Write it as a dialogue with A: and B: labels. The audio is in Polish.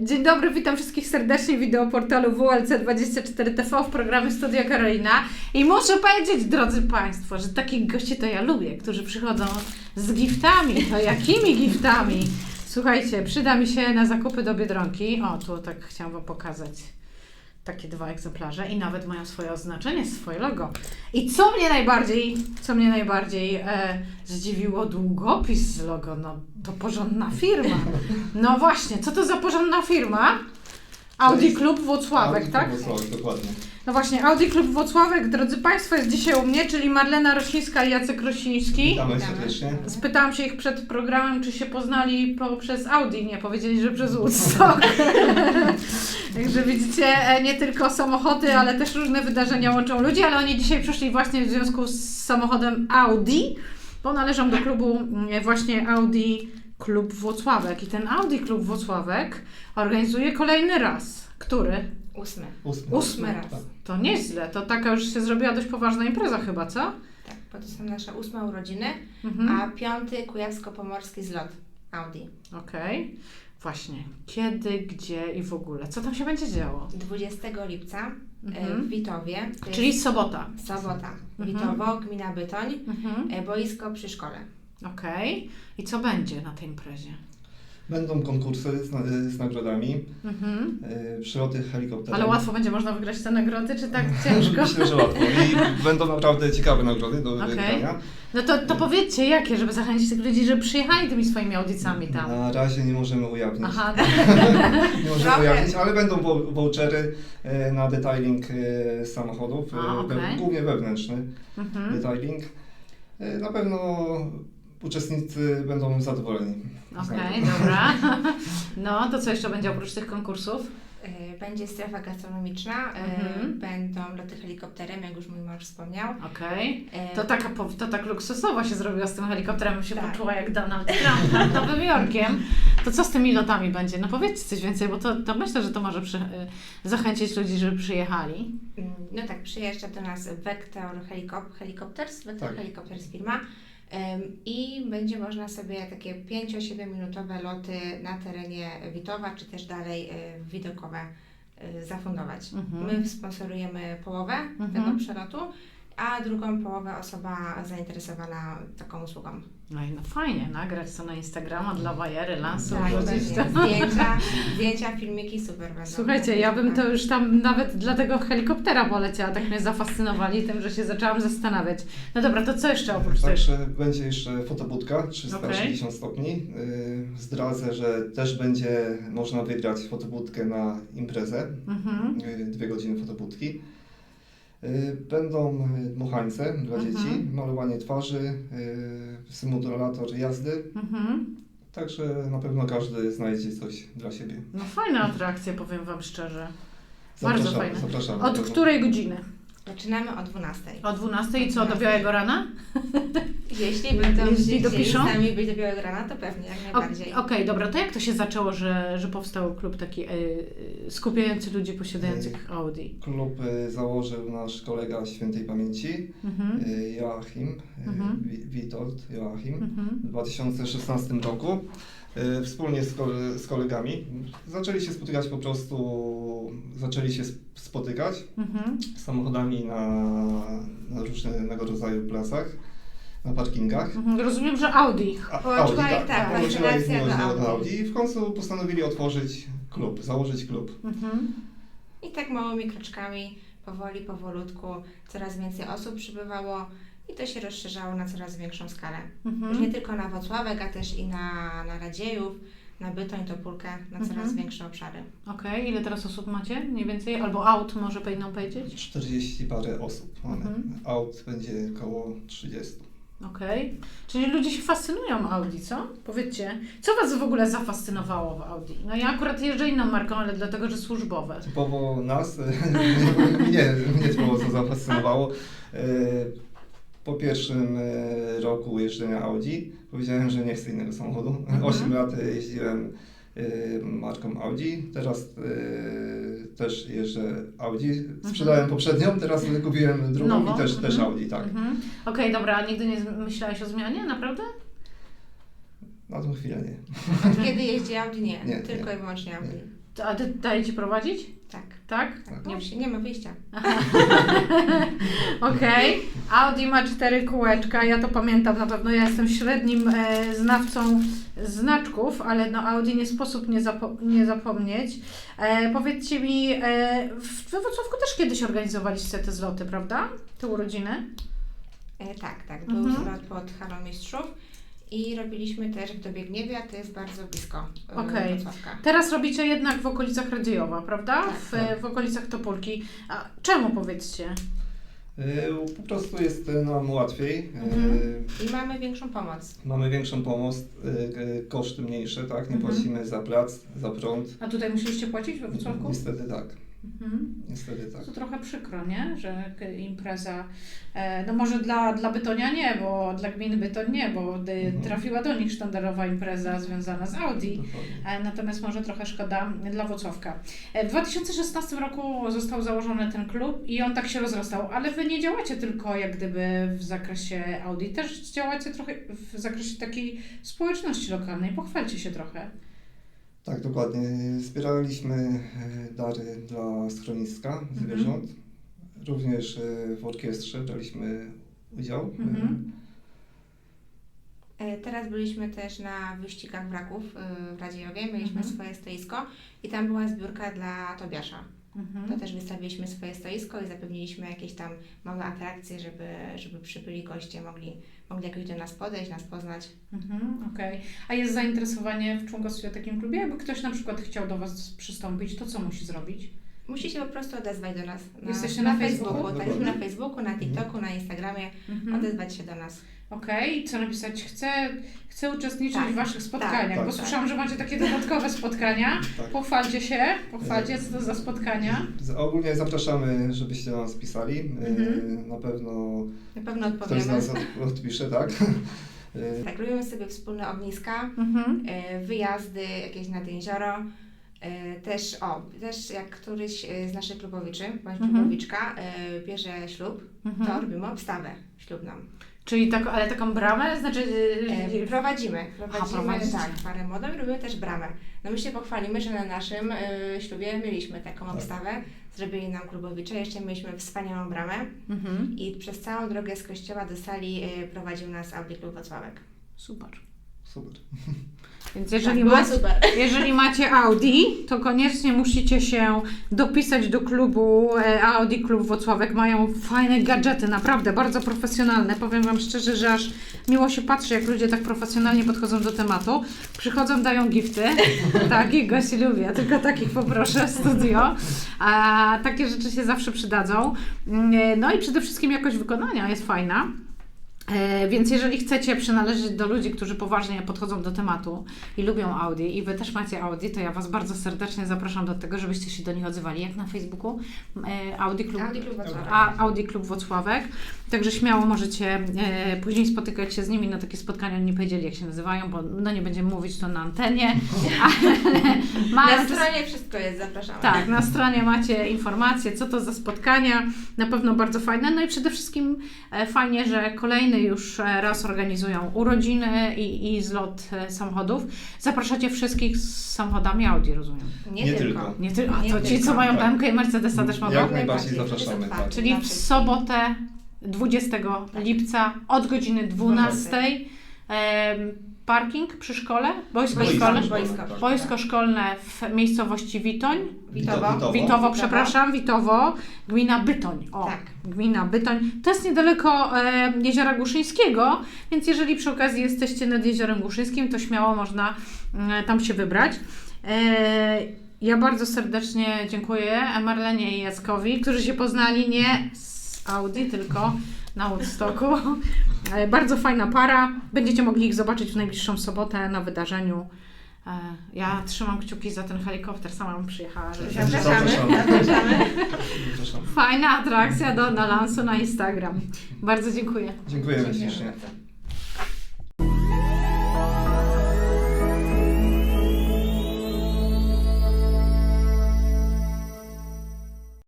A: Dzień dobry, witam wszystkich serdecznie w wideoportalu WLC24TV w programie Studio Karolina. I muszę powiedzieć, drodzy Państwo, że takich gości to ja lubię, którzy przychodzą z giftami. To jakimi giftami? Słuchajcie, przyda mi się na zakupy do Biedronki. O, tu tak chciałam Wam pokazać. Takie 2 egzemplarze i nawet mają swoje oznaczenie, swoje logo. I co mnie najbardziej zdziwiło, długopis z logo, no to porządna firma. No właśnie, co to za porządna firma? Audi Klub Włocławek,
B: Audi
A: tak?
B: Klub Włocławek, dokładnie.
A: No właśnie, Audi Klub Włocławek, drodzy Państwo, jest dzisiaj u mnie, czyli Marlena Rosińska i Jacek Rosiński.
B: Witamy serdecznie.
A: Spytałam się ich przed programem, czy się poznali przez Audi. Nie, powiedzieli, że przez Woodstock. Także widzicie, nie tylko samochody, ale też różne wydarzenia łączą ludzi, ale oni dzisiaj przyszli właśnie w związku z samochodem Audi, bo należą do klubu właśnie Audi Klub Włocławek. I ten Audi Klub Włocławek organizuje kolejny raz. Który?
C: 8.
A: 8
C: raz.
B: Tak.
A: To nieźle. To taka już się zrobiła dość poważna impreza chyba, co?
C: Tak, bo to są nasze 8 urodziny,
A: Mhm.
C: a 5 kujawsko-pomorski zlot Audi.
A: Okej. Właśnie. Kiedy, gdzie i w ogóle? Co tam się będzie działo?
C: 20 lipca
A: Mhm.
C: w Witowie. To
A: Czyli
C: jest
A: sobota.
C: sobota.
A: Mhm.
C: Witowo, gmina Bytoń,
A: Mhm.
C: boisko przy szkole.
A: Okej. I co będzie na tej imprezie?
B: Będą konkursy z nagrodami,
A: Mhm.
B: przyloty helikopterem.
A: Ale łatwo będzie można wygrać te nagrody, czy tak ciężko?
B: Myślę, że łatwo. I będą naprawdę ciekawe nagrody do
A: Okej.
B: wygrania.
A: No to powiedzcie jakie, żeby zachęcić tych ludzi, żeby przyjechali tymi swoimi audicami tam.
B: Na razie nie możemy ujawnić.
A: Aha.
B: Nie możemy
C: Trochę.
B: ujawnić, ale będą vouchery na detailing samochodów,
A: A, okej.
B: głównie wewnętrzny
A: Mhm.
B: detailing. Na pewno uczestnicy będą zadowoleni.
A: Okej, dobra. No, to co jeszcze będzie oprócz tych konkursów?
C: Będzie strefa gastronomiczna,
A: Mhm.
C: będą loty helikopterem, jak już mój mąż wspomniał.
A: Okej.
C: E,
A: To tak luksusowo się zrobiła z tym helikopterem, bym się
C: Tak.
A: poczuła jak Donald Trump nad Nowym Jorkiem. To co z tymi lotami będzie? No powiedzcie coś więcej, bo to myślę, że to może zachęcić ludzi, żeby przyjechali.
C: No tak, przyjeżdża do nas Vector Helicopters, Vector
B: Tak.
C: Helicopters firma. I będzie można sobie takie 5-7 minutowe loty na terenie Witowa, czy też dalej widokowe zafundować.
A: Mhm.
C: My sponsorujemy połowę
A: Mhm.
C: tego przelotu, a drugą połowę osoba zainteresowana taką usługą.
A: No i no fajnie, nagrać to na Instagrama dla bajery, lansu,
C: Tak,
A: wrzucić to.
C: pewnie. Zdjęcia, filmiki super będą.
A: Słuchajcie, ja bym to już tam nawet dla tego helikoptera poleciała, tak mnie zafascynowali tym, że się zaczęłam zastanawiać. No dobra, to co jeszcze oprócz tego?
B: Także będzie jeszcze fotobudka 360 stopni. Zdradzę, że też będzie można wygrać fotobudkę na imprezę.
A: Mhm.
B: 2 godziny fotobudki. Będą dmuchańce dla
A: Mhm.
B: dzieci, malowanie twarzy, symulator jazdy.
A: Mhm.
B: Także na pewno każdy znajdzie coś dla siebie.
A: No fajna atrakcja, powiem Wam szczerze. Bardzo fajne.
B: Zapraszamy.
A: Od której godziny?
C: Zaczynamy o 12.
A: O 12 i co, do białego rana?
C: Jeśli będą
A: Jeśli
C: chcieli
A: dopiszą?
C: z nami być do białego rana, to pewnie, jak najbardziej.
A: Okej, dobra, to jak to się zaczęło, że powstał klub taki skupiający ludzi posiadających Audi?
B: Klub założył nasz kolega świętej pamięci,
A: Mhm.
B: Joachim,
A: Mhm.
B: Witold Joachim,
A: Mhm.
B: w 2016 roku. Wspólnie z kolegami zaczęli się spotykać
A: Mhm.
B: samochodami na różnego rodzaju placach, na parkingach.
A: Mhm. Rozumiem, że Audi.
B: Audi,
C: tak,
B: Połączyła ich
C: fascynacja
B: miłość
C: do
B: do
C: Audi.
B: Audi i w końcu postanowili założyć klub.
A: Mhm.
C: I tak małymi kroczkami, powolutku, coraz więcej osób przybywało i to się rozszerzało na coraz większą skalę. Już nie
A: Mhm.
C: tylko na Włocławek, a też i na Radziejów, na Bytoń, Topólkę, na coraz
A: Mhm.
C: większe obszary.
A: Okej, ile teraz osób macie? Mniej więcej? Albo aut może powinnam powiedzieć?
B: 40 parę osób mamy.
A: Mhm.
B: Aut będzie około 30.
A: Okej. Czyli ludzie się fascynują Audi, co? Powiedzcie, co Was w ogóle zafascynowało w Audi? No ja akurat jeżdżę inną marką, ale dlatego, że służbowe.
B: Typowo nas, mnie typowo co zafascynowało. Po pierwszym roku jeżdżenia Audi powiedziałem, że nie chcę innego samochodu.
A: Mhm.
B: 8 lat jeździłem marką Audi, teraz też jeżdżę Audi. Sprzedałem poprzednią, teraz kupiłem drugą
A: Nową?
B: i też Audi, tak.
A: Mhm. Okej, dobra, a nigdy nie myślałeś o zmianie, naprawdę?
B: Na tą chwilę nie.
C: Od kiedy jeździ Audi? Nie,
B: Nie,
C: tylko
B: nie.
C: i wyłącznie Audi.
A: A daje Ci prowadzić?
C: Tak.
A: Tak?
B: Tak.
C: Nie ma wyjścia.
A: Okej. Audi ma 4 kółeczka, ja to pamiętam na pewno. Ja jestem średnim znawcą znaczków, ale no Audi nie sposób nie zapomnieć. Powiedzcie mi, we Wrocławku też kiedyś organizowaliście te zloty, prawda? Te urodziny?
C: Tak. Był
A: Mhm.
C: zlot pod Halą Mistrzów i robiliśmy też w Dobiegniewie, a to jest bardzo blisko
A: Okej.
C: Wrocławka.
A: Teraz robicie jednak w okolicach Radiowa, prawda?
C: Tak.
A: W okolicach Topolki. A czemu, powiedzcie?
B: Po prostu jest nam łatwiej.
A: Mhm.
C: I mamy większą pomoc.
B: Mamy większą pomoc, koszty mniejsze, tak? Nie
A: Mhm.
B: płacimy za plac, za prąd.
A: A tutaj musieliście płacić we Wrocławku?
B: Niestety tak.
A: Mhm.
B: Niestety tak.
A: To trochę przykro, nie? Że impreza, no może dla Bytonia nie, bo dla gminy Bytoń nie, bo trafiła do nich sztandarowa impreza związana z Audi.
B: Dokładnie.
A: Natomiast może trochę szkoda dla Włocławka. W 2016 roku został założony ten klub i on tak się rozrastał, ale Wy nie działacie tylko jak gdyby w zakresie Audi, też działacie trochę w zakresie takiej społeczności lokalnej. Pochwalcie się trochę.
B: Tak, dokładnie. Zbieraliśmy dary dla schroniska zwierząt. Również w orkiestrze braliśmy udział.
A: Mhm.
C: Teraz byliśmy też na wyścigach wraków w Radziejowie, mieliśmy
A: Mhm.
C: swoje stoisko i tam była zbiórka dla Tobiasza.
A: Mhm.
C: To też wystawiliśmy swoje stoisko i zapewniliśmy jakieś tam małe atrakcje, żeby przybyli goście mogli jakoś do nas podejść, nas poznać.
A: Okej. A jest zainteresowanie w członkostwie w takim klubie? Jakby ktoś na przykład chciał do Was przystąpić, to co musi zrobić?
C: Musi się po prostu odezwać do nas.
A: Jesteście na Facebooku?
C: Tak, jesteśmy na Facebooku, na TikToku, na Instagramie. Odezwać się do nas.
A: Okej, co napisać? Chcę uczestniczyć
C: Tak.
A: w Waszych spotkaniach,
B: Tak,
A: bo
B: tak.
A: słyszałam, że macie takie dodatkowe spotkania.
B: Tak.
A: Pochwalcie się, co to za spotkania.
B: Ogólnie zapraszamy, żebyście do nas pisali.
A: Mhm.
B: Na pewno
C: Na pewno
B: ktoś z
C: odpowiemy.
B: nas odpisze, tak?
C: Tak, robimy sobie wspólne ogniska,
A: Mhm.
C: wyjazdy jakieś nad jezioro. Też jak któryś z naszych klubowiczy, bądź klubowiczka bierze ślub, to robimy obstawę ślubną.
A: Czyli ale taką bramę? Znaczy...
C: Prowadzimy
A: prowadzicie.
C: tak, parę młodą i robimy też bramę. No my się pochwalimy, że na naszym ślubie mieliśmy taką obstawę, zrobili nam klubowicze, jeszcze mieliśmy wspaniałą bramę
A: Mhm.
C: i przez całą drogę z kościoła do sali prowadził nas Audi Klub Wrocławek.
A: Super.
B: Super.
A: Więc
C: Było super.
A: jeżeli macie Audi, to koniecznie musicie się dopisać do klubu Audi Klub Wrocławek. Mają fajne gadżety, naprawdę bardzo profesjonalne. Powiem Wam szczerze, że aż miło się patrzy, jak ludzie tak profesjonalnie podchodzą do tematu. Przychodzą, dają gifty. Takich gości lubię, tylko takich poproszę w studio. A takie rzeczy się zawsze przydadzą. No i przede wszystkim jakość wykonania jest fajna. Więc jeżeli chcecie przynależeć do ludzi, którzy poważnie podchodzą do tematu i lubią Audi i Wy też macie Audi, to ja Was bardzo serdecznie zapraszam do tego, żebyście się do nich odzywali. Jak na Facebooku? Audi Klub
C: Wrocławek.
A: Audi Klub Wrocławek. Także śmiało możecie później spotykać się z nimi na takie spotkania. Oni nie powiedzieli, jak się nazywają, bo no nie będziemy mówić to na antenie. Ale
C: Na stronie wszystko jest, zapraszamy.
A: tak, na stronie macie informacje, co to za spotkania. Na pewno bardzo fajne. No i przede wszystkim fajnie, że kolejny już raz organizują urodziny i zlot samochodów. Zapraszacie wszystkich z samochodami Audi, rozumiem.
B: Nie tylko.
A: Nie tylko. A
C: Nie
A: to ci,
C: tylko,
A: co mają
B: tak.
A: BMK i Mercedesa też mogą?
B: Jak najbardziej zapraszamy,
C: Jest
B: tak.
C: otwarty
A: Czyli
C: dla
A: w
C: wszystkich.
A: sobotę 20 lipca od godziny 12. Parking przy szkole? Boisko szkolne? Boisko szkolne w miejscowości Witoń. Witowo, przepraszam, Witowo, gmina Bytoń. O,
C: Tak.
A: gmina Bytoń. To jest niedaleko Jeziora Głuszyńskiego, więc jeżeli przy okazji jesteście nad Jeziorem Głuszyńskim, to śmiało można tam się wybrać. Ja bardzo serdecznie dziękuję Marlenie i Jackowi, którzy się poznali nie z Audi, tylko na Woodstocku. Bardzo fajna para. Będziecie mogli ich zobaczyć w najbliższą sobotę na wydarzeniu. Ja trzymam kciuki za ten helikopter, sama bym przyjechała. Żeby się...
C: Zapraszamy.
A: Fajna atrakcja do lansu na Instagram. Bardzo dziękuję.
B: Dziękujemy
C: Dziękujemy
B: ślicznie.
C: bardzo.